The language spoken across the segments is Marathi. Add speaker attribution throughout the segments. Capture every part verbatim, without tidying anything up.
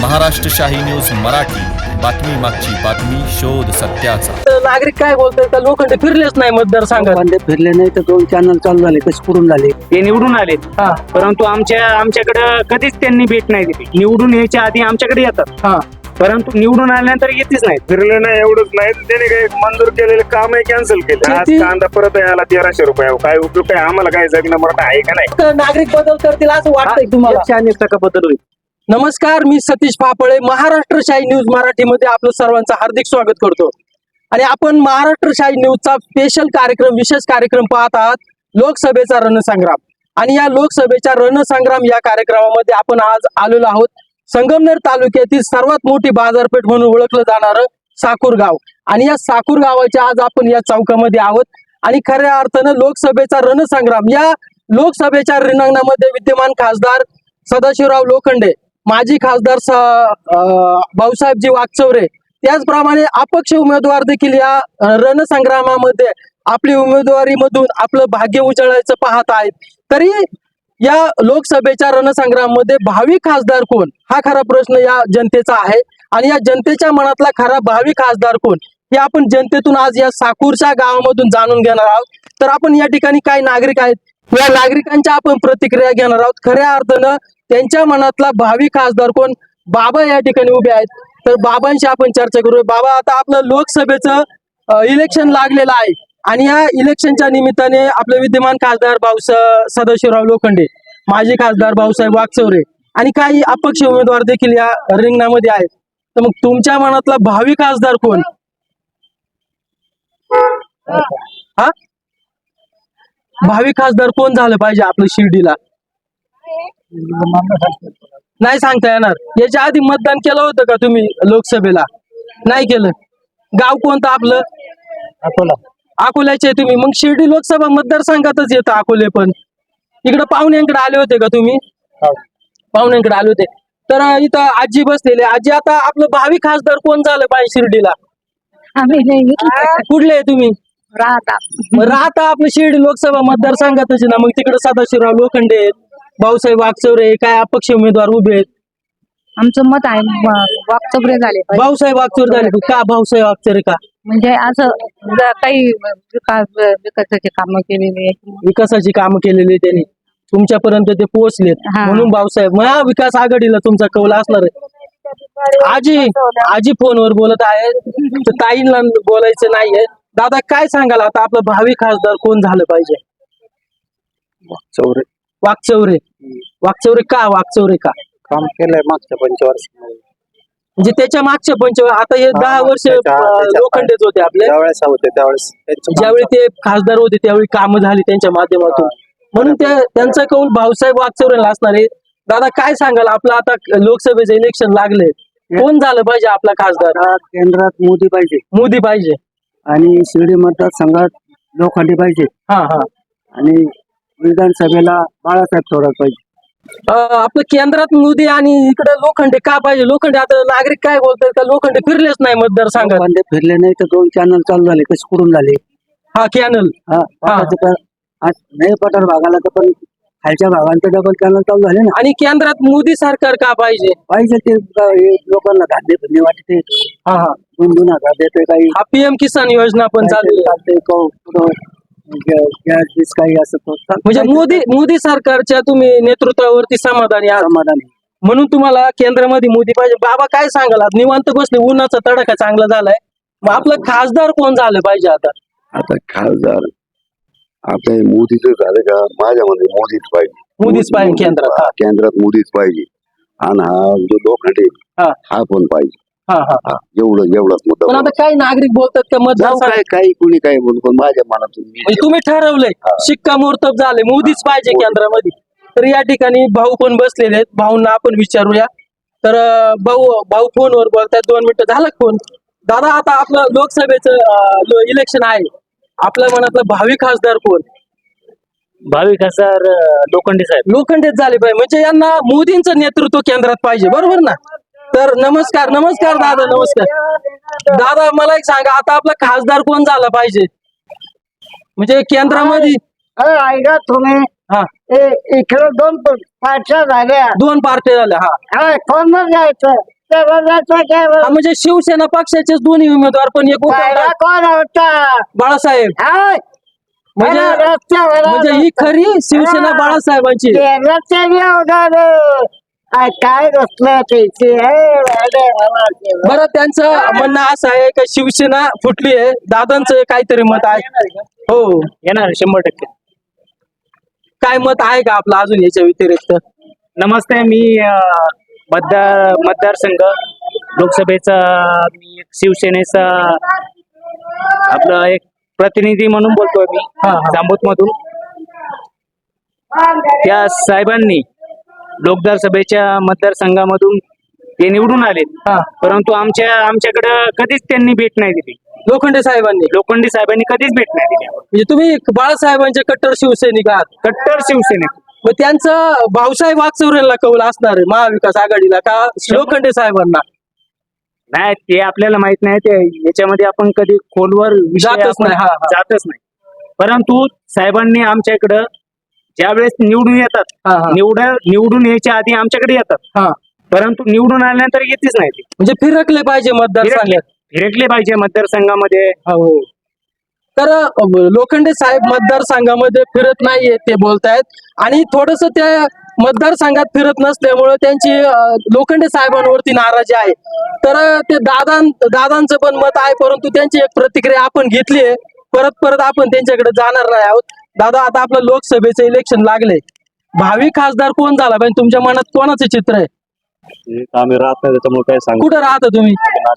Speaker 1: महाराष्ट्र शाही न्यूज मराठी, बातमी मागची बातमी, शोध सत्याचा।
Speaker 2: नागरिक काय बोलतोय का लोखंडे फिरलेच नाही मतदारसंघात?
Speaker 3: लोखंडे फिरले नाही तर दोन चॅनल चालू झाले, कसे पुरून झाले.
Speaker 4: ते निवडून आले,
Speaker 2: हा
Speaker 4: परंतु आमच्या आमच्याकडे कधीच त्यांनी भेट नाही दिली. निवडून यायच्या आधी आमच्याकडे येतात,
Speaker 2: हा
Speaker 4: परंतु निवडून आल्यानंतर येतेच नाही.
Speaker 5: फिरले नाही एवढंच नाही, त्याने काही मंजूर केलेले काम कॅन्सल केले. आज
Speaker 2: शेती-
Speaker 5: कांदा परत यायला तेराशे रुपये, काय उपयोग काय आम्हाला? काय जगणं मराठा आहे का नाही?
Speaker 2: तर नागरिक बदल करतील असं वाटतंय तुम्हाला?
Speaker 4: एकशे अनेक टक्का बदल होईल.
Speaker 2: नमस्कार, मी सतीश फापळे, महाराष्ट्र शाही न्यूज मराठीमध्ये आपलं सर्वांचं हार्दिक स्वागत करतो. आणि आपण महाराष्ट्र शाही न्यूजचा स्पेशल कार्यक्रम, विशेष कार्यक्रम पाहत आहात, लोकसभेचा रणसंग्राम. आणि या लोकसभेच्या रणसंग्राम या कार्यक्रमामध्ये आपण आज आलेलो आहोत संगमनेर तालुक्यातील सर्वात मोठी बाजारपेठ म्हणून ओळखलं जाणारं साकूर गाव. आणि या साकूर गावाच्या आज आपण या चौकामध्ये आहोत. आणि खऱ्या अर्थानं लोकसभेचा रणसंग्राम, या लोकसभेच्या रिंगणामध्ये विद्यमान खासदार सदाशिवराव लोखंडे, माजी खासदार भाऊसाहेबजी वाकचौरे, त्याचप्रमाणे अपक्ष उमेदवार देखील या रणसंग्रामामध्ये आपली उमेदवारीमधून आपलं भाग्य उजळायचं पाहत आहेत. तरी या लोकसभेच्या रणसंग्राममध्ये भावी खासदार कोण, हा खरा प्रश्न या जनतेचा आहे. आणि या जनतेच्या मनातला खरा भावी खासदार कोण हे आपण जनतेतून आज या साकूरच्या गावामधून जाणून घेणार आहोत. तर आपण या ठिकाणी काही नागरिक आहेत, या नागरिकांच्या आपण प्रतिक्रिया घेणार आहोत. खऱ्या अर्थानं त्यांच्या मनातला भावी खासदार कोण, बाबा या ठिकाणी उभे आहेत. तर बाबांशी आपण चर्चा करूया. बाबा, आता आपलं लोकसभेचं इलेक्शन लागलेलं आहे आणि या इलेक्शनच्या निमित्ताने आपले विद्यमान खासदार भाऊ सदाशिवराव लोखंडे, माजी खासदार भाऊसाहेब वाकचौरे आणि काही अपक्ष उमेदवार देखील या रिंगणामध्ये आहेत. तर मग तुमच्या मनातला भावी खासदार कोण? हा भावी खासदार कोण झालं पाहिजे आपलं शिर्डीला? नाही सांगता येणार. याच्या आधी मतदान केलं होतं का तुम्ही लोकसभेला? नाही केलं. गाव कोणतं आपलं?
Speaker 3: अकोला.
Speaker 2: अकोल्याचे तुम्ही? मग शिर्डी लोकसभा मतदारसंघातच येतं अकोले. पण इकडे पाहुण्यांकडे आले होते का तुम्ही? पाहुण्यांकडे आले होते. तर इथं आजी बसलेले. आजी, आता आपलं भावी खासदार कोण झालं पाहिजे शिर्डीला? कुठले आहे तुम्ही?
Speaker 6: राहता
Speaker 2: मग राहता आपलं शिर्डी लोकसभा मतदारसंघातच ना. मग तिकडे सदाशिवराव लोखंडे आहेत, भाऊसाहेब वाकचौरे, काय अपक्ष उमेदवार उभे आहेत.
Speaker 6: आमचं मत आहे वाकचौरे झाले पाहिजे.
Speaker 2: भाऊसाहेब वाकचौरे झाले का? भाऊसाहेब वाकचौरे का?
Speaker 6: म्हणजे असं जर काही विकास विकासाचे कामं केलेली आहेत.
Speaker 2: विकासाची कामं केलेली त्यांनी तुमच्यापर्यंत ते पोहोचलेत,
Speaker 6: हा.
Speaker 2: म्हणून भाऊसाहेब. मग विकास आघाडीला तुमचा कौल असणार आहे. आजी आजी फोनवर बोलत आहे, तर ताईंना बोलायचं नाहीये. दादा, काय सांगाल आता आपलं भावी खासदार कोण झालं पाहिजे?
Speaker 3: चौरे
Speaker 2: वाकचौरे. वाकचौरे का? वाकचौरे का?
Speaker 3: काम केलंय मागच्या पंचवर्ष.
Speaker 2: म्हणजे त्याच्या मागच्या पंच आता हे दहा वर्ष लोखंडेच होते आपले.
Speaker 3: त्यावेळेस होते त्यावेळेस
Speaker 2: ज्यावेळी ते खासदार होते त्यावेळी कामं झाली त्यांच्या माध्यमातून, म्हणून त्या त्यांचा कौल भाऊसाहेब वाकचौरेला असणार आहे. दादा, काय सांगाल आपलं आता लोकसभेचं इलेक्शन लागले, कोण झालं पाहिजे आपला खासदार?
Speaker 3: केंद्रात मोदी पाहिजे
Speaker 2: मोदी पाहिजे
Speaker 3: आणि शिर्डी मतदारसंघात लोखंडे पाहिजे
Speaker 2: हा हा
Speaker 3: आणि विधानसभेला बाळासाहेब थोरात पाहिजे.
Speaker 2: अं, आपलं केंद्रात मोदी आणि इकडे लोखंडे का पाहिजे? लोखंडे, आता नागरिक काय बोलतात का लोखंडे फिरलेच नाही मतदारसंघात?
Speaker 3: लोखंडे फिरले नाही तर दोन चॅनल चालू झाले, कसे पुरून झाले.
Speaker 2: हा कॅनल.
Speaker 3: हा पठारचं तर- आज नाही पठार भागाला तर पण खालच्या भागांचे डबल चॅनल चालू झाले ना.
Speaker 2: आणि केंद्रात मोदी सरकार का पाहिजे?
Speaker 3: पाहिजे ते हे लोकांना धान्य धन्य वाटते,
Speaker 2: हा हा
Speaker 3: दोन दोन हजार देते, काही
Speaker 2: हा पीएम किसान योजना पण चालू आहे.
Speaker 3: चालते गॅस काही असं तो चाल-
Speaker 2: म्हणजे मोदी मोदी सरकारच्या तुम्ही नेतृत्वावरती समाधानी आहात,
Speaker 3: समाधानी.
Speaker 2: म्हणून तुम्हाला केंद्रामध्ये मोदी पाहिजे. बाबा, काय सांगाल? आज निवांत बसले, उन्हाचा तडाखा चांगला झालाय. मग आपलं खासदार कोण झालं पाहिजे आता?
Speaker 7: आता खासदार आता मोदीच झालं का? माझ्या मध्ये मोदीच पाहिजे.
Speaker 2: मोदीच पाहिजे केंद्रात.
Speaker 7: हा, केंद्रात मोदीच पाहिजे. आणि हा जो लोखंडे
Speaker 2: हा.
Speaker 7: हा पण पाहिजे.
Speaker 2: हा हा
Speaker 7: हा, एवढं एवढाच मुद्दा.
Speaker 2: पण आता काही नागरिक बोलतात का
Speaker 7: जाऊ
Speaker 2: मतदार
Speaker 7: काय काही कुणी काय बोलू, पण माझ्या मनातून मी-
Speaker 2: म्हणजे तुम्ही ठरवलंय, शिक्कामोर्तब झाले, मोदीच पाहिजे केंद्रामध्ये. तर या ठिकाणी भाऊ पण बसलेले आहेत, भाऊंना आपण विचारूया. तर अं, भाऊ भाऊ फोनवर बोलतायत. दोन मिनिटं झालं फोन. दादा, आता आपलं लोकसभेचं इलेक्शन आहे, आपल्या मनातलं भावी खासदार कोण?
Speaker 4: भावी खासदार लोखंडे साहेब.
Speaker 2: लोखंडेच झाले पाहिजे, म्हणजे यांना मोदींचं नेतृत्व केंद्रात पाहिजे, बरोबर ना? तर नमस्कार नमस्कार दादा, नमस्कार दादा. मला एक सांगा, आता आपला खासदार कोण झाला पाहिजे म्हणजे केंद्रामध्ये?
Speaker 3: ऐका तुम्ही
Speaker 2: हा.
Speaker 3: इकडे दोन पार्ट्या झाल्या
Speaker 2: दोन पार्ट्या झाल्या हा
Speaker 3: हा, कोण जायचं त्याला जायचं काय
Speaker 2: हा, म्हणजे शिवसेना पक्षाचेच दोन्ही उमेदवार पण एक
Speaker 3: पाहिला
Speaker 2: उद्धव
Speaker 3: कोण होता
Speaker 2: बाळासाहेब
Speaker 3: हाय.
Speaker 2: म्हणजे
Speaker 3: अरे, रस्त्यावर
Speaker 2: म्हणजे ही खरी शिवसेना
Speaker 3: हा.
Speaker 2: बाळासाहेबांची
Speaker 3: केरळच्या बी अवघड. आ, काय रस्त्या त्याची
Speaker 2: बरं त्यांचं म्हणणं असं आहे की शिवसेना फुटली आहे दादांचं काहीतरी मत आहे हो
Speaker 4: येणार शंभर टक्के.
Speaker 2: काय मत आहे का आपलं अजून याच्या व्यतिरिक्त
Speaker 4: नमस्ते, मी अं, मतदार मतदारसंघ लोकसभेचा मी एक शिवसेनेचा आपलं एक प्रतिनिधी म्हणून बोलतोय मी
Speaker 2: हा, हा.
Speaker 4: जांबूत मधून. त्या साहेबांनी लोकसभेच्या मतदारसंघामधून ते निवडून आले,
Speaker 2: हा.
Speaker 4: परंतु आमच्या आमच्याकडं कधीच त्यांनी भेट नाही दिली.
Speaker 2: लोखंडे साहेबांनी
Speaker 4: लोखंडी साहेबांनी कधीच भेट नाही दिली.
Speaker 2: म्हणजे तुम्ही बाळासाहेबांचे कट्टर शिवसैनिक आहात
Speaker 4: कट्टर शिवसेनेत
Speaker 2: मग त्यांचं भाऊसाहेब वागचौरेला कौल असणार आहे महाविकास आघाडीला का लोखंडे साहेबांना
Speaker 4: नाही, ते आपल्याला माहित नाही. ते याच्यामध्ये आपण कधी खोलवर विषय
Speaker 2: जातच
Speaker 4: आपण
Speaker 2: नाही, हा, हा.
Speaker 4: जातच नाही. परंतु साहेबांनी आमच्या इकडं ज्या वेळेस निवडून येतात,
Speaker 2: हा, हा.
Speaker 4: निवड निवडून यायच्या आधी आमच्याकडे येतात,
Speaker 2: हा
Speaker 4: परंतु निवडून आल्यानंतर येतेच नाही. ते
Speaker 2: म्हणजे फिरकले पाहिजे
Speaker 4: फिरकले
Speaker 2: मतदारसंघात
Speaker 4: फिरकले पाहिजे मतदारसंघामध्ये.
Speaker 2: हो तर अ, लोखंडे साहेब मतदारसंघामध्ये फिरत नाहीये ते बोलतायत आणि थोडस त्या मतदारसंघात फिरत नसल्यामुळे त्यांची अ, लोखंडे साहेबांवरती नाराजी आहे. तर अ, ते दादा दादांचं पण मत आहे परंतु त्यांची एक प्रतिक्रिया आपण घेतली आहे. परत परत आपण त्यांच्याकडे जाणार नाही आहोत. दादा आता आपलं लोकसभेचं इलेक्शन लागले, भावी खासदार कोण झाला पाहिजे तुमच्या मनात कोणाचं चित्र आहे
Speaker 5: आम्ही राहत नाही त्याच्यामुळे काय सांगू.
Speaker 2: कुठं राहता तुम्ही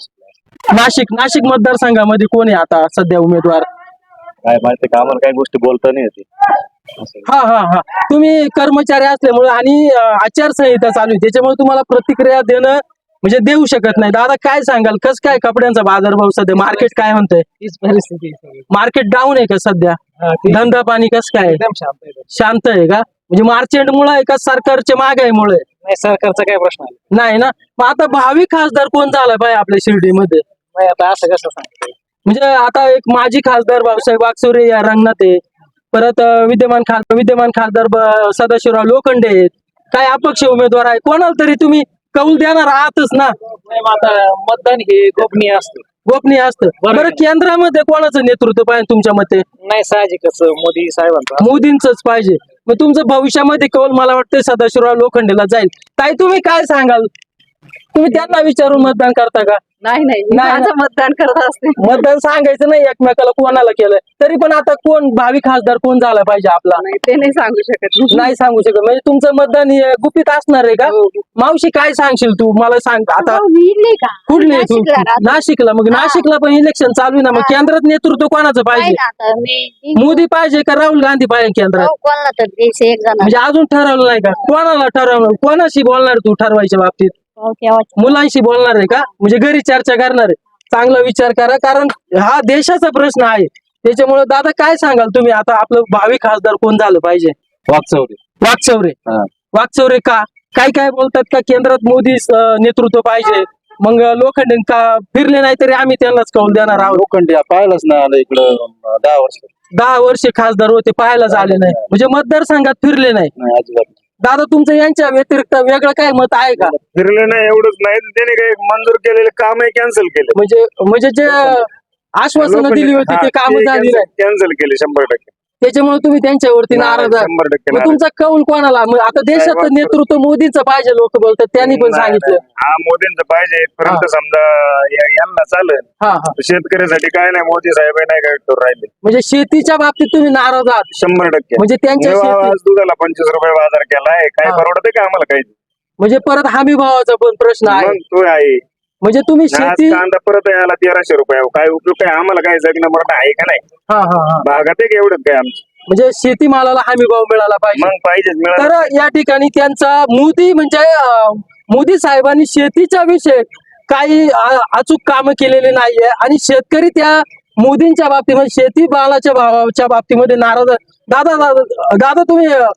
Speaker 2: नाशिक नाशिक मतदारसंघामध्ये कोण आहे आता सध्या उमेदवार
Speaker 5: काय माहिती का आम्हाला काही गोष्टी बोलता नाही येते.
Speaker 2: हा हा हा तुम्ही कर्मचारी असल्यामुळे आणि अ, आचारसंहिता चालू आहे त्याच्यामुळे तुम्हाला प्रतिक्रिया देणं म्हणजे देऊ शकत नाही. दादा काय सांगाल कस काय कपड्यांचा बाजारभाव सध्या मार्केट काय म्हणतंय
Speaker 4: हीच परिस्थिती
Speaker 2: मार्केट डाऊन आहे का सध्या धंदा पाणी कस काय
Speaker 4: एकदम शांत आहे.
Speaker 2: शांत आहे का म्हणजे मार्चेंट मुळे आहे का सरकारच्या महागाईमुळे
Speaker 4: नाही, सरकारचा काय प्रश्न आहे
Speaker 2: नाही ना मग आता भावी खासदार कोण झाला पाहिजे आपल्या शिर्डीमध्ये
Speaker 4: नाही. आता असं कसं सांगतो,
Speaker 2: म्हणजे आता एक माजी खासदार भाऊसाहेब वागचौरे या रंगणात आहे परत अ, विद्यमान खासदार विद्यमान खासदार ब- सदाशिवराव लोखंडे आहेत काय अपक्ष उमेदवार आहे कोणाला तरी तुम्ही कौल देणार आहातच ना
Speaker 4: आता मतदान हे गोपनीय असतं.
Speaker 2: गोपनीय असतं
Speaker 4: बरोबर.
Speaker 2: बरं केंद्रामध्ये कोणाचं नेतृत्व पाहिजे तुमच्या मते
Speaker 4: नाही, साहजिकच मोदी साहेबांचा.
Speaker 2: मोदींचंच पाहिजे मग तुमचं भविष्यामध्ये कौल मला वाटतं सदाशिवराव लोखंडेला जाईल. ताई तुम्ही काय सांगाल तुम्ही त्यांना विचारून मतदान करता का
Speaker 6: नाही नाही मी
Speaker 2: नाही,
Speaker 6: माझं मतदान करत असते.
Speaker 2: मतदान सांगायचं नाही एकमेकाला कोणाला केलंय तरी पण आता कोण भावी खासदार कोण झाला पाहिजे आपला
Speaker 6: नाही ते नाही सांगू शकत मी.
Speaker 2: नाही सांगू शकत म्हणजे तुमचं मतदान हे गुपित असणार आहे का
Speaker 6: हो.
Speaker 2: मावशी काय सांगशील तू मला सांग आता
Speaker 6: हो, मी इथली का
Speaker 2: कुठले आहे तू
Speaker 6: नाशिकला राहते.
Speaker 2: नाशिकला मग
Speaker 6: हा.
Speaker 2: नाशिकला पण इलेक्शन चालू आहे ना मग केंद्रात नेतृत्व कोणाचं
Speaker 6: नाही
Speaker 2: पाहिजे
Speaker 6: ना आता मी मी-
Speaker 2: मोदी पाहिजे का राहुल गांधी पाहिजे केंद्रात
Speaker 6: हो, कोणाला तर द्यायचं एक जण
Speaker 2: म्हणजे अजून ठरवलं नाही का कोणाला ठरवलं कोणाशी बोलणार तू ठरवायच्या बाबतीत मुलांशी बोलणार आहे का म्हणजे घरी चर्चा करणार आहे चांगला विचार करा कारण हा देशाचा प्रश्न आहे त्याच्यामुळे दादा काय सांगाल तुम्ही आता आपलं भावी खासदार कोण झालं पाहिजे
Speaker 5: वागचौरे.
Speaker 2: वागचौरे
Speaker 5: हा.
Speaker 2: वागचौरे का काय काय बोलतात का केंद्रात मोदी अं, नेतृत्व पाहिजे मग लोखंडे का फिरले नाही तरी आम्ही त्यांनाच कौल देणार आहोत
Speaker 5: लोखंडी पाहिलंच नाही आलं इकडं दहा वर्ष
Speaker 2: दहा वर्षे खासदार होते पाहायला झाले नाही म्हणजे मतदारसंघात फिरले नाही
Speaker 5: नाही अजिबात.
Speaker 2: दादा तुमचं यांच्या व्यतिरिक्त वेगळं काय मत आहे का
Speaker 5: फिरले नाही एवढंच नाही त्याने काही मंजूर केलेले कामही कॅन्सल केले.
Speaker 2: म्हणजे म्हणजे जे आश्वासनं दिली होती ते काम झाली नाही
Speaker 5: कॅन्सल केले शंभर टक्के.
Speaker 2: त्याच्यामुळे तुम्ही त्यांच्यावरती नाराज आहात
Speaker 5: शंभर टक्के
Speaker 2: मग
Speaker 5: नाराज.
Speaker 2: तुमचा कौल कोणाला मग आता देशाचं नेतृत्व मोदीचं पाहिजे लोक बोलतात त्यांनी पण
Speaker 5: नाही,
Speaker 2: सांगितलं
Speaker 5: नाही. हा मोदींचं पाहिजे पर्यंत समजा या- यांना चालेल
Speaker 2: हा हा
Speaker 5: शेतकऱ्यासाठी काय नाही मोदी साहेब नाही काय करू राहिले
Speaker 2: म्हणजे शेतीच्या बाबतीत तुम्ही नाराज आहात
Speaker 5: शंभर टक्के.
Speaker 2: म्हणजे त्यांच्या
Speaker 5: जेव्हा
Speaker 2: शेती
Speaker 5: आज दुधाला पंचवीस रुपये बाजार केलाय काय
Speaker 2: हा.
Speaker 5: परवडते का आम्हाला काही
Speaker 2: म्हणजे परत हमी भावाचा पण प्रश्न आहे
Speaker 5: मग तो आहे
Speaker 2: म्हणजे तुम्ही
Speaker 5: आज
Speaker 2: शेती
Speaker 5: कांदा परत यायला तेराशे रुपये काय उपयोग काय आम्हाला काय जगणं मरण आहे का नाही
Speaker 2: हा हा हा
Speaker 5: भागात आहे का एवढं काय आमचं
Speaker 2: म्हणजे शेतीमालाला हमी भाव मिळाला पाहिजे
Speaker 5: मग पाहिजे मिळालं
Speaker 2: तर या ठिकाणी त्यांचा मोदी म्हणजे अं, मोदी साहेबांनी शेतीच्या विषय काही अ- अचूक कामं केलेले नाहीये आणि शेतकरी त्या मोदींच्या बाबतीमध्ये शेती मालाच्या भावाच्या बाबतीमध्ये नाराज आहे. दादा दादा दादा तुम्ही अं,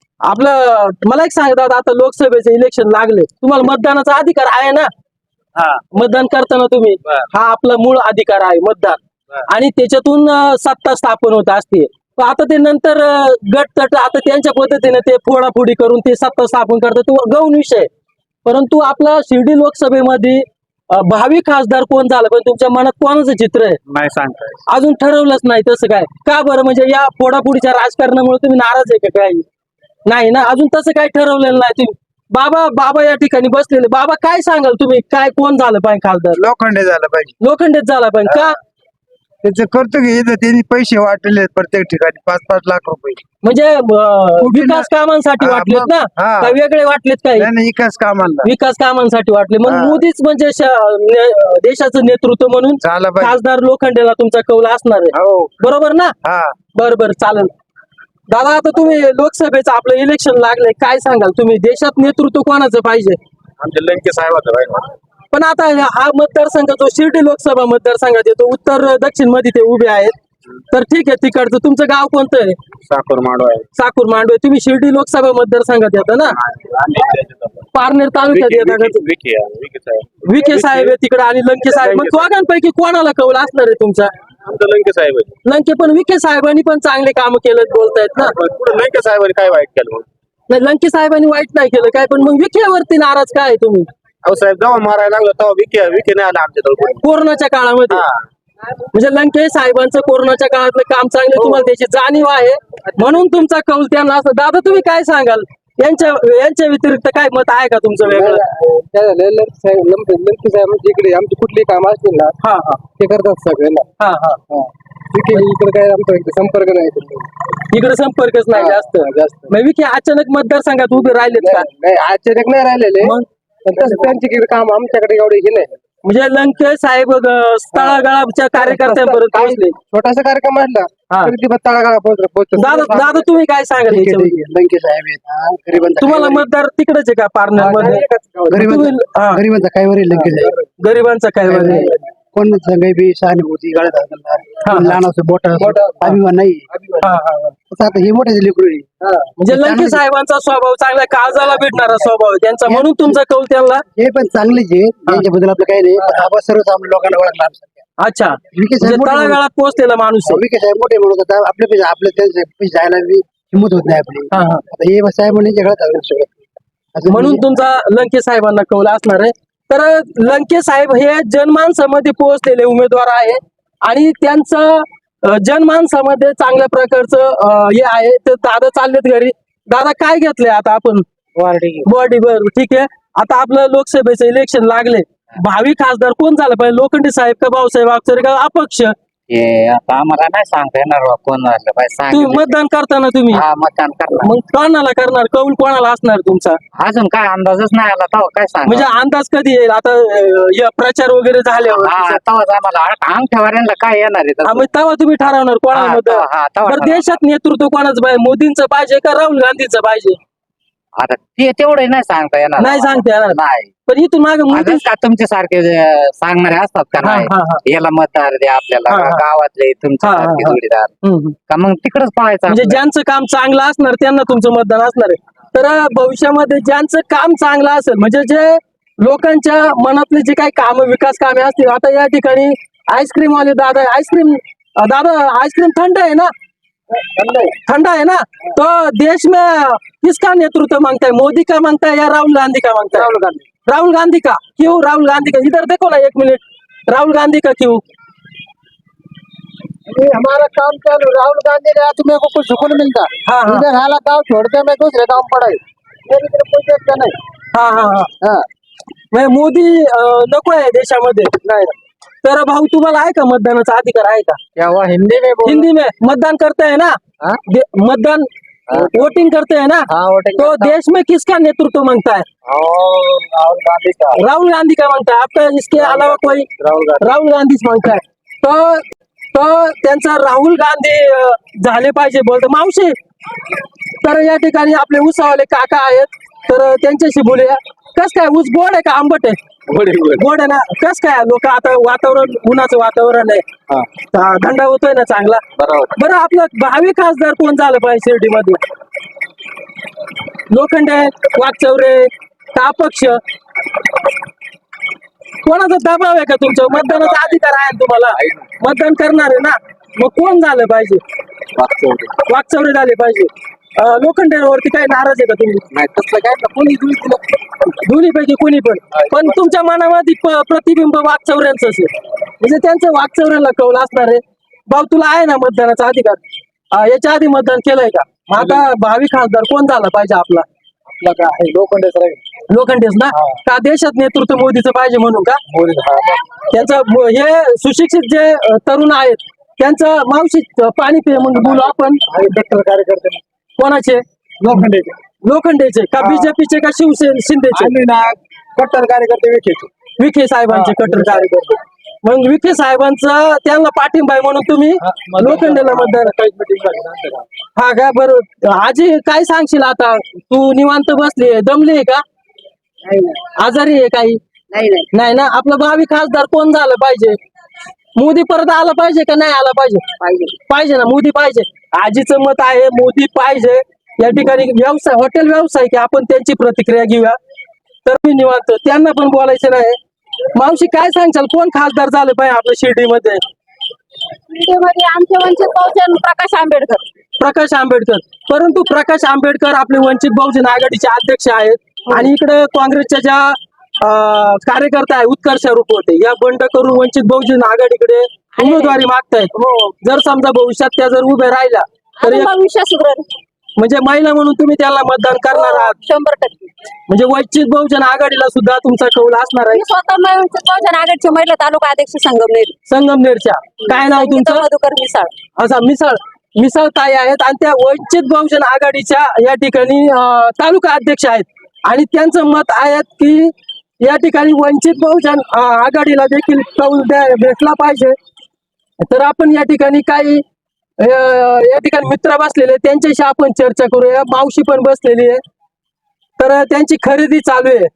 Speaker 2: आपलं मला एक सांगा दादा आता लोकसभेचे इलेक्शन लागले तुम्हाला मतदानाचा अधिकार आहे ना
Speaker 4: हा.
Speaker 2: मतदान करताना तुम्ही
Speaker 4: बर.
Speaker 2: हा आपला मूळ अधिकार आहे मतदान आणि त्याच्यातून अं, सत्ता स्थापन होत असते पण आता ते नंतर अं, गट तट आता त्यांच्या पद्धतीने ते फोडाफोडी करून ते सत्ता स्थापन करतात तो गौण विषय आहे. परंतु आपला शिर्डी लोकसभेमध्ये अं, भावी खासदार कोण झालं पण तुमच्या मनात कोणाचं चित्र आहे
Speaker 5: नाही सांगताय.
Speaker 2: अजून ठरवलंच नाही तसं काय का बरं म्हणजे या फोडाफोडीच्या राजकारणामुळे तुम्ही नाराज आहे का काही नाही ना अजून तसं काही ठरवलेलं नाही तुम्ही बाबा बाबा या ठिकाणी बसलेले बाबा काय सांगाल तुम्ही काय कोण झालं पाहिजे खासदार
Speaker 3: लोखंडे झालं पाहिजे
Speaker 2: लोखंडेच झाला पाहिजे का
Speaker 3: त्याचं करतो की इथं त्यांनी पैसे वाटले प्रत्येक ठिकाणी पाच पाच लाख रुपये
Speaker 2: म्हणजे अं,
Speaker 3: कुठे
Speaker 2: विकास कामांसाठी
Speaker 3: हा,
Speaker 2: वाटलेत
Speaker 3: मग-
Speaker 2: ना
Speaker 3: हा.
Speaker 2: का वेगळे वाटलेत काही
Speaker 3: नाही नाही, विकास कामाला
Speaker 2: विकास कामांसाठी वाटले मग
Speaker 3: हा.
Speaker 2: मोदीच म्हणजे श- ने- देशाचं नेतृत्व म्हणून
Speaker 3: झाला पाहिजे
Speaker 2: खासदार लोखंडेला तुमचा कौल असणार आहे
Speaker 3: हो
Speaker 2: बरोबर ना
Speaker 3: हा
Speaker 2: बर बर चालेल दादा आता तुम्ही लोकसभेचं आपलं इलेक्शन लागलंय काय सांगाल तुम्ही देशात नेतृत्व कोणाचं पाहिजे
Speaker 5: आमचे लंके साहेब
Speaker 2: पण आता हा मतदारसंघ जो शिर्डी लोकसभा मतदारसंघात येतो उत्तर दक्षिण मध्ये ते उभे आहेत तर ठीक आहे तिकडचं तुमचं गाव कोणतं आहे
Speaker 5: साखर मांडव आहे.
Speaker 2: साकूर मांडवे तुम्ही शिर्डी लोकसभा मतदारसंघात येता ना पारनेर तालुक्यात
Speaker 5: विकी-
Speaker 2: येता का
Speaker 5: विकी- विकी आहे, विकी साहेब.
Speaker 2: विखे साहेब आहे तिकडे आणि लंके साहेब मग दोघांपैकी कोणाला कौल असणार आहे तुमचा
Speaker 5: आमचं लंके साहेब आहे.
Speaker 2: लंके पण विखे साहेबांनी पण चांगले काम केलं बोलतायत ना
Speaker 5: पण पुढे लंके साहेबांनी काय वाईट केलं मग?
Speaker 2: नाही लंके साहेबांनी वाईट नाही केलं काय पण मग विखेवरती नाराज काय आहे तुम्ही
Speaker 5: अहो साहेब जेव्हा मारायला लागलो तेव्हा विके विके नाही आला आमच्या जवळ.
Speaker 2: कोरोनाच्या काळामध्ये म्हणजे लंके साहेबांचं कोरोनाच्या काळातलं काम चांगले तुम्हाला त्याची जाणीव आहे म्हणून तुमचा कौल त्यांना असं दादा तुम्ही काय सांगाल यांच्या यांच्या व्यतिरिक्त काय मत आहे का तुमचं वेगळं
Speaker 3: लंपी साहेब म्हणजे इकडे आमची कुठली काम असतील ना
Speaker 2: हा हा
Speaker 3: ते करतात सगळे ना
Speaker 2: हा हा
Speaker 3: इकडे काय आमचा संपर्क नाही
Speaker 2: इकडे संपर्कच नाही जास्त
Speaker 3: जास्त
Speaker 2: मग विखे अचानक मतदारसंघात उभे राहिलेत का
Speaker 3: नाही अचानक नाही राहिलेले
Speaker 2: मग
Speaker 3: पण तसं त्यांची काम आमच्याकडे एवढे हे नाही
Speaker 2: म्हणजे लंके साहेब अं, तळागाळाच्या कार्यकर्त्यांपर्यंत पोहोचले
Speaker 3: छोटासा कार्यक्रम असला
Speaker 2: हा.
Speaker 3: तरी ती तळागाळा पोहोचला पोहोचतो
Speaker 2: दादा दादा तुम्ही काय सांगाल याच्याविषयी?
Speaker 3: लंके साहेब आहेत हा, गरिबांचा
Speaker 2: तुम्हाला
Speaker 3: काय
Speaker 2: मतदार तिकडेच आहे का पार्लर मध्ये
Speaker 3: वरील- गरिबांचा
Speaker 2: तुम्ही- हा,
Speaker 3: गरिबांचा काय वरील लंके साहेब
Speaker 2: गरिबांचा काय वगैरे
Speaker 3: कोण सांगाय बी सहानुभूती गळत
Speaker 2: हा.
Speaker 3: लहान असं मोठा अभिमान नाही
Speaker 2: हा, हा, हा.
Speaker 3: तसं आता हे मोठे लेकरू आहे.
Speaker 2: म्हणजे लंके साहेबांचा स्वभाव चांगला काळजाला भेटणारा स्वभाव आहे त्यांचा म्हणून तुमचा कौल त्यांना
Speaker 3: हे पण चांगलेच आहे यांच्याबद्दल आपलं काही नाही पण आपण सर्वसामान्य लोकांना ओळखला आमच्यासारख्या.
Speaker 2: अच्छा
Speaker 3: विके
Speaker 2: म्हणजे
Speaker 3: साहेब मोठे म्हणून-
Speaker 2: तळागाळात पोहोचलेला माणूस आहे
Speaker 3: विके साहेब मोठे म्हणून आता आपल्या पैसे आपल्या त्यांचे पैसे जायला बी हिंमत होत नाही आपली
Speaker 2: हा, हा.
Speaker 3: आता हे साहेब म्हणजे जगात आलं सगळं असं
Speaker 2: म्हणून
Speaker 3: म्हणजे-
Speaker 2: तुमचा लंके साहेबांना कौल असणार आहे तर लंके साहेब हे जनमानसामध्ये पोहोचलेले उमेदवार आहे आणि त्यांचं अं, जनमानसामध्ये चांगल्या प्रकारचं अं, हे आहे तर दादा चाललेत घरी दादा काय घेतलंय आता आपण बॉडी बर ठीक आहे आता आपलं लोकसभेचं इलेक्शन लागले भावी खासदार कोण झालं पाहिजे लोखंडे साहेब का भाऊसाहेब अक्षर का अपक्ष
Speaker 8: हे आता आम्हाला नाही सांगता येणार बा कोण झालं पाहिजे
Speaker 2: तुम्ही
Speaker 8: सांगितलं
Speaker 2: मतदान करताना तुम्ही
Speaker 8: हा मतदान करणार
Speaker 2: मग कोणाला करणार कौल कोणाला असणार तुमचा
Speaker 8: अजून काय अंदाजच नाही आला तेव्हा काय सांग
Speaker 2: म्हणजे अंदाज कधी येईल आता अं, या प्रचार वगैरे झाल्यावर
Speaker 8: हा तेव्हाच आम्हाला अंगठ्यावाऱ्यांना काय येणार आहे
Speaker 2: हा,
Speaker 8: तसं?
Speaker 2: मग तेव्हा तुम्ही ठरवणार
Speaker 8: हा,
Speaker 2: कोणाला मत
Speaker 8: तेव्हा- हा, तेव्हा
Speaker 2: बरं
Speaker 8: ठरवणार.
Speaker 2: देशात नेतृत्व कोणाचं पाहिजे मोदींचं पाहिजे का राहुल गांधीचं पाहिजे
Speaker 8: आता ते तेवढे नाही सांगता येणार
Speaker 2: नाही सांगता येणार.
Speaker 8: नाही
Speaker 2: पण इथून मागे मोदी
Speaker 8: आता का तुमचे सारखे जे सांगणारे असतात का
Speaker 2: हा,
Speaker 8: नाही
Speaker 2: हा, हा.
Speaker 8: याला मतदार द्या आपल्याला
Speaker 2: हा, हा.
Speaker 8: गावातले तुमचे
Speaker 2: हा, हा,
Speaker 8: सारखे
Speaker 2: हा.
Speaker 8: जोडीदार
Speaker 2: हम्म, हम्म.
Speaker 8: का मग तिकडच पळायचं
Speaker 2: म्हणजे
Speaker 8: आपलं.
Speaker 2: ज्यांचं काम चांगलं असणार त्यांना तुमचं मतदान असणार आहे तर भविष्यामध्ये ज्यांचं काम चांगलं असेल म्हणजे जे लोकांच्या मनातले जे काही काम विकास कामे असतील आता या ठिकाणी आईस्क्रीम वाले दादा आईस्क्रीम दादा आईस्क्रीम थंड है ना ठंडा है ना तो देश में किसका नेतृत्व मांगता है मोदी का मांगता है या राहुल गांधी का मांगता है राहुल गांधी राहुल गांधी का क्यों राहुल गांधी का इधर देखो ना एक मिनट राहुल गांधी का क्यों
Speaker 3: ये हमारा काम चालू राहुल गांधी ने आज मेरे को कुछ सुकून मिलता
Speaker 2: हाँ, हाँ।
Speaker 3: इधर हाला गाँव छोड़ के मैं दूसरे गाँव में पड़ा मेरी तरफ कोई देखता नहीं
Speaker 2: हा हा हा
Speaker 3: हाँ
Speaker 2: म्हणजे मोदी अं, नको आहे देशामध्ये
Speaker 3: नहीं
Speaker 2: तर भाऊ तुम्हाला आहे का मतदानाचा अधिकार आहे का
Speaker 3: क्या हुआ हिंदी में बोल
Speaker 2: हिंदी में मतदान करते हैं ना
Speaker 3: हाँ?
Speaker 2: दे- मतदान वोटिंग करते हैं ना
Speaker 3: हाँ वोटिंग
Speaker 2: तो देश में किसका नेतृत्व मांगता है
Speaker 3: राहुल गांधी का
Speaker 2: राहुल गांधी का मांगता है आपका इसके अलावा कोई
Speaker 3: राहुल गांधी
Speaker 2: राहुल गांधीच मागताय तर तर त्यांचा राहुल गांधी अं, झाले पाहिजे बोलतो मावशी तर या ठिकाणी आपले ऊसावाले काका आहेत तर त्यांच्याशी बोलूया कस काय ऊस गोड आहे का आंबट आहे गोड आहे ना कस काय लोक आता वातावरण उन्हाचं वातावरण आहे ता- थंडा होतोय ना चांगला बरं आपलं भावी खासदार कोण झालं पाहिजे शिर्डीमध्ये लोखंडे वाकचौरे का अपक्ष कोणाचा दबाव आहे का तुमच्या मतदानाचा अधिकार आहे ना तुम्हाला मतदान करणार आहे ना मग कोण झालं पाहिजे वाकचौरे झाले पाहिजे. अं, लोखंडेवरती काही नाराज आहे का तुम्ही?
Speaker 3: नाही तसलं काय ना कोणी दिलं
Speaker 2: दोन्ही पैकी कोणी पण पण तुमच्या मनामध्ये प- प्रतिबिंब वाकचौऱ्यांचं असेल म्हणजे त्यांचं वाकचौऱ्याला कौल असणार आहे. भाऊ तुला आहे ना मतदानाचा अधिकार? अं, याच्या आधी मतदान केलंय का? मग आता भावी खासदार कोण झाला पाहिजे आपला?
Speaker 3: आपला काय आहे लोखंडेच राहील
Speaker 2: लोखंडेच ना? का देशात नेतृत्व मोदीचं पाहिजे म्हणून का? त्यांचं म- हे सुशिक्षित जे अं, तरुण आहेत त्यांचं मावशी अं, पाणी पे मग बोलू आपण.
Speaker 3: डॉक्टर कार्यकर्ते
Speaker 2: कोणाचे?
Speaker 3: लोखंडेचे
Speaker 2: लोखंडेचे का बीजेपीचे का शिवसेना शिंदेचे?
Speaker 3: आम्ही ना कट्टर कार्यकर्ते विखेचे
Speaker 2: विखे साहेबांचे कट्टर कार्यकर्ते. मग विखे साहेबांचा त्यांना पाठिंबा आहे म्हणून तुम्ही लोखंडेला मतदान. हा का? बरोबर. आजी काय सांगशील आता? तू निवांत बसली दमली का? आजारी आहे काही?
Speaker 6: नाही नाही
Speaker 2: नाही ना? आपला भावी खासदार कोण झालं पाहिजे? मोदी परत आला पाहिजे का नाही आला पाहिजे?
Speaker 6: पाहिजे
Speaker 2: पाहिजे ना? मोदी पाहिजे. आजीचं मत आहे मोदी पाहिजे. या ठिकाणी व्यवसाय हॉटेल व्यावसायिक आहे, आपण त्यांची प्रतिक्रिया घेऊया. तर मी निवांत त्यांना पण बोलायचं नाही. मावशी काय सांगशाल कोण खासदार झालं पाहिजे आपल्या शिर्डीमध्ये?
Speaker 6: मध्ये आमचे वंचित बहुजन प्रकाश आंबेडकर.
Speaker 2: प्रकाश आंबेडकर. परंतु प्रकाश आंबेडकर आपले वंचित बहुजन आघाडीचे अध्यक्ष आहेत आणि इकडे काँग्रेसच्या ज्या अं, कार्यकर्ता आहे उत्कर्ष रूप होते या बंड करून वंचित बहुजन आघाडीकडे उमेदवारी मागतायत. जर समजा भविष्यात त्या जर उभे राहिल्या तर
Speaker 6: आणि
Speaker 2: एक-
Speaker 6: भविष्य सुधरेल
Speaker 2: म्हणजे महिला म्हणून तुम्ही त्याला मतदान करणार आहात.
Speaker 6: शंभर टक्के.
Speaker 2: म्हणजे वंचित बहुजन आघाडीला सुद्धा तुमचा कौल असणार आहे.
Speaker 6: मी स्वतः मै- वंचित बहुजन आघाडीचे महिला तालुका अध्यक्ष संगमनेर.
Speaker 2: संगमनेरच्या काय नाव
Speaker 6: संगीता
Speaker 2: तुमचं?
Speaker 6: मधुकर मिसाळ.
Speaker 2: असा मिसळ मिसळ ताई आहेत आणि त्या वंचित बहुजन आघाडीच्या या ठिकाणी अं, तालुका अध्यक्ष आहेत आणि त्यांचं मत आहे की या ठिकाणी वंचित बहुजन अं, आघाडीला देखील कौल द्या- भेटला पाहिजे. तर आपण या ठिकाणी काही अं, या ठिकाणी मित्र बसलेले आहेत, त्यांच्याशी आपण चर्चा करूया. मावशी पण बसलेली आहे तर त्यांची खरेदी चालू आहे.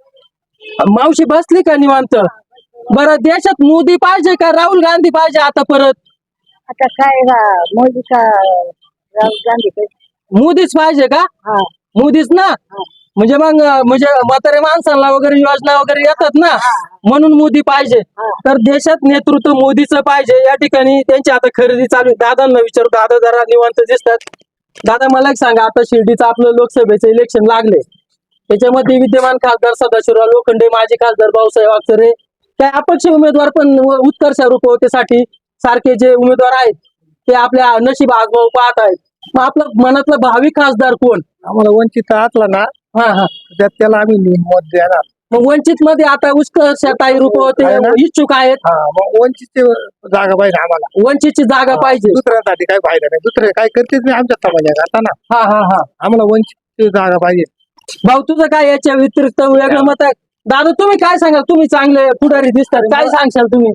Speaker 2: मावशी बसली का निवांत? बरं देशात मोदी पाहिजे का राहुल गांधी पाहिजे आता परत?
Speaker 6: आता काय मोदी का राहुल गांधी?
Speaker 2: मोदीच पाहिजे का?
Speaker 6: हा.
Speaker 2: मोदीच ना? म्हणजे मग म्हणजे म्हातारे माणसांना वगैरे योजना वगैरे येतात ना म्हणून मोदी पाहिजे. तर देशात नेतृत्व मोदीचं पाहिजे. या ठिकाणी त्यांची आता खरेदी चालू आहे. दादांना विचारू. दादा जरा निवांत दिसतात. दादा मला एक सांगा, आता शिर्डीचं आपलं लोकसभेचं इलेक्शन लागले, त्याच्यामध्ये विद्यमान खासदार सदाशिवराव लोखंडे, माजी खासदार भाऊसाहेब वागचौरे, काही अपक्ष उमेदवार पण उत्कर्ष रूपवतेसाठी सारखे जे उमेदवार आहेत ते आपल्या नशीब आजमावून पाहत आहेत. मग आपलं मनातलं भावी खासदार कोण?
Speaker 3: आम्हाला वंचित असला ना
Speaker 2: हा हा
Speaker 3: त्यात त्याला आम्ही मत देणार.
Speaker 2: मग वंचित मध्ये आता उत्कर्षताई रूपवते
Speaker 3: आहे ना?
Speaker 2: इच्छुक आहेत.
Speaker 3: हा मग वंचितची जागा पाहिजे आम्हाला.
Speaker 2: वंचितची जागा पाहिजे.
Speaker 3: दुसऱ्यासाठी काय फायदा नाही. दुसरे काय करतेच नाही आमच्या समाजात आता ना.
Speaker 2: हा हा हा
Speaker 3: आम्हाला वंचितची जागा पाहिजे.
Speaker 2: भाऊ तुझं काय याच्या व्यतिरिक्त वेगळं मत आहे? दादा तुम्ही काय सांगाल? तुम्ही चांगले पुढारी दिसतात, काय सांगशाल तुम्ही?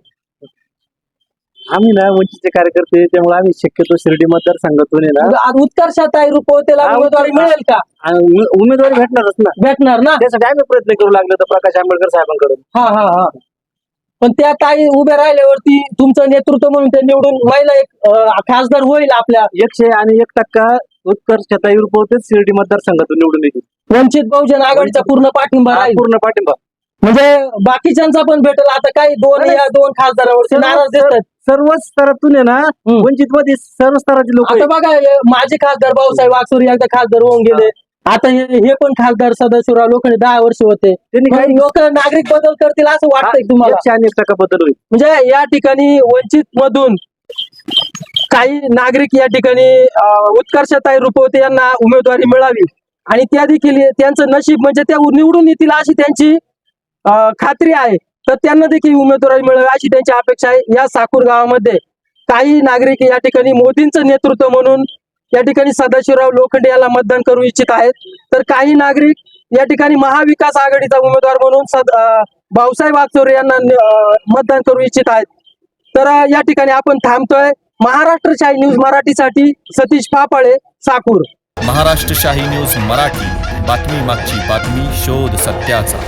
Speaker 3: आम्ही ना वंचितचे कार्यकर्ते त्यामुळे आम्ही शक्यतो शिर्डी मतदारसंघातून आहे ना
Speaker 2: उत्कर्षताई रूपवतेला
Speaker 3: हा,
Speaker 2: उमेदवारी मिळेल का?
Speaker 3: आणि उमेदवारी भेटणारच ना.
Speaker 2: भेटणार ना?
Speaker 3: त्यासाठी आम्ही प्रयत्न करू लागलो तर प्रकाश आंबेडकर साहेबांकडून.
Speaker 2: हा हा हा पण त्या ताई उभे राहिल्यावरती तुमचं नेतृत्व म्हणून ते निवडून महिला एक अं, खासदार होईल आपल्या
Speaker 3: एकशे आणि एक टक्का उत्कर्षताई रूपवतेच शिर्डी मतदारसंघातून निवडून येतील.
Speaker 2: वंचित बहुजन आघाडीचा पूर्ण पाठिंबा
Speaker 3: हा,
Speaker 2: राहील.
Speaker 3: पूर्ण पाठिंबा.
Speaker 2: म्हणजे बाकीच्यांचा पण भेटेल. आता काही दोन या दोन खासदारावरती नाराज दिसतात.
Speaker 3: सर्वच स्तरातून आहे ना वंचित मध्ये सर्व स्तराचे लोक
Speaker 2: आता बघा हे माजी खासदार भाऊसाहेब वागचौरे एकदा खासदार होऊन गेले. आता हे हे पण खासदार सदाशिवराव लोखंडे दहा वर्ष होते.
Speaker 3: त्यांनी काही
Speaker 2: लोक नागरिक बदल करतील असं वाटतंय तुम्हाला?
Speaker 3: एकशे आणि एक टक्का बदल होईल.
Speaker 2: म्हणजे या ठिकाणी वंचित मधून काही नागरिक या ठिकाणी अं, उत्कर्षताई रूपवते यांना उमेदवारी मिळावी आणि त्या देखील त्यांचं नशीब म्हणजे त्या निवडून येतील अशी त्यांची अं, खात्री आहे. तर त्यांना देखील उमेदवारी मिळावी अशी त्यांची अपेक्षा आहे. या साकूर गावामध्ये काही नागरिक या ठिकाणी मोदींचं नेतृत्व म्हणून या ठिकाणी सदाशिवराव लोखंडे याला मतदान करू इच्छित आहेत. तर काही नागरिक या ठिकाणी महाविकास आघाडीचा उमेदवार म्हणून सद अं, भाऊसाहेब वागचौरे यांना अं, मतदान करू इच्छित आहेत. तर अं, या ठिकाणी आपण थांबतोय. महाराष्ट्र शाही न्यूज मराठीसाठी सतीश फापाळे, साकूर.
Speaker 1: महाराष्ट्र शाही न्यूज मराठी, बातमी मागची बातमी, शोध सत्याचा.